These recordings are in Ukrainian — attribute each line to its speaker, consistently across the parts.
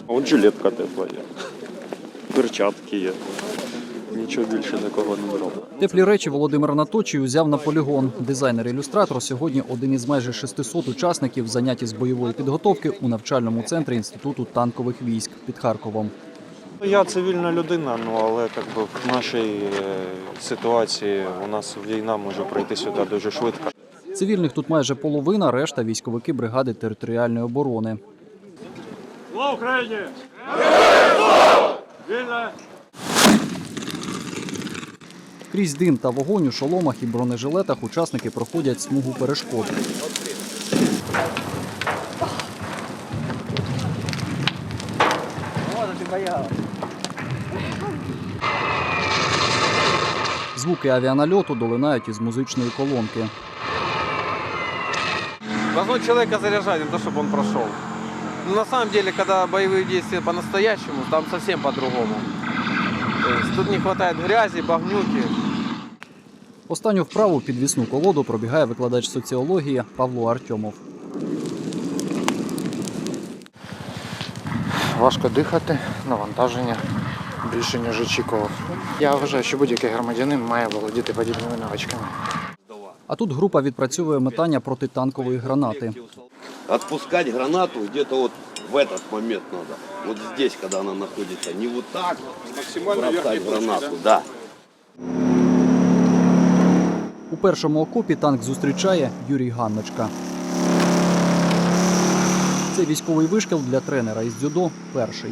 Speaker 1: От жилетка тепла є, перчатки є. Нічого більше такого не брав.
Speaker 2: Теплі речі Володимир Наточій узяв на полігон. Дизайнер-ілюстратор сьогодні один із майже 600 учасників, заняті з бойової підготовки у навчальному центрі Інституту танкових військ під Харковом.
Speaker 1: Я цивільна людина, але в нашій ситуації у нас війна може пройти сюди дуже швидко.
Speaker 2: Цивільних тут майже половина, решта – військовики бригади територіальної оборони.
Speaker 3: Слава Україні! Вільна!
Speaker 2: Крізь дим та вогонь у шоломах і бронежилетах учасники проходять смугу перешкод. Звуки авіанальоту долинають із музичної колонки.
Speaker 4: Должно человека заряжать, не то, чтобы он прошел. Но на самом деле, когда боевые действия по-настоящему, там совсем по-другому. То есть тут не хватает грязи, багнюки.
Speaker 2: Останню вправу підвісну колоду пробігає викладач соціології Павло Артьомов.
Speaker 5: Важко дихати, навантаження більше, ніж очікував. Я вважаю, що будь-який громадянин має володіти подібними навичками.
Speaker 2: А тут група відпрацьовує метання протитанкової гранати.
Speaker 6: Отпускать гранату где-то вот в этот момент надо. Вот здесь, когда она находится. Не вот так. Максимально бросать гранату, да.
Speaker 2: У першому окопі танк зустрічає Юрій Ганночка. Це військовий вишкіл для тренера із дзюдо перший.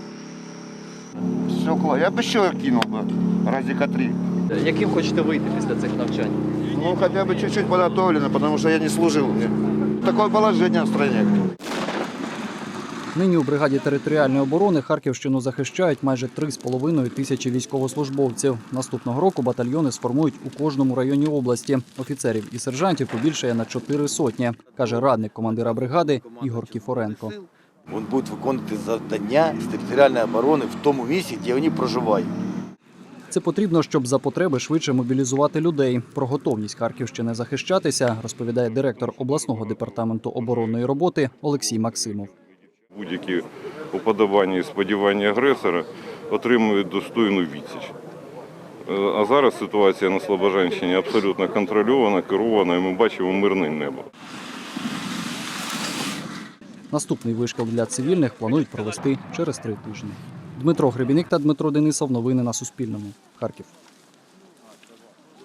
Speaker 7: Стекла. Я б ще кинув би, разика 3.
Speaker 2: Яким хочете вийти після цих навчань?
Speaker 7: Ну, хоча б чуть-чуть подготовлено, тому що я не служив. Таке положення в країні.
Speaker 2: Нині у бригаді територіальної оборони Харківщину захищають майже 3,5 тисячі військовослужбовців. Наступного року батальйони сформують у кожному районі області. Офіцерів і сержантів побільшає на 4 сотні, каже радник командира бригади Ігор Кіфоренко.
Speaker 8: Він буде виконувати завдання з територіальної оборони в тому місці, де вони проживають.
Speaker 2: Це потрібно, щоб за потреби швидше мобілізувати людей. Про готовність Харківщини захищатися розповідає директор обласного департаменту оборонної роботи Олексій Максимов.
Speaker 9: Будь-які уподобання і сподівання агресора отримують достойну відсіч. А зараз ситуація на Слобожанщині абсолютно контрольована, керована, і ми бачимо мирне небо.
Speaker 2: Наступний вишкіл для цивільних планують провести через 3 тижні. Дмитро Гребіник та Дмитро Денисов. Новини на Суспільному. Харків.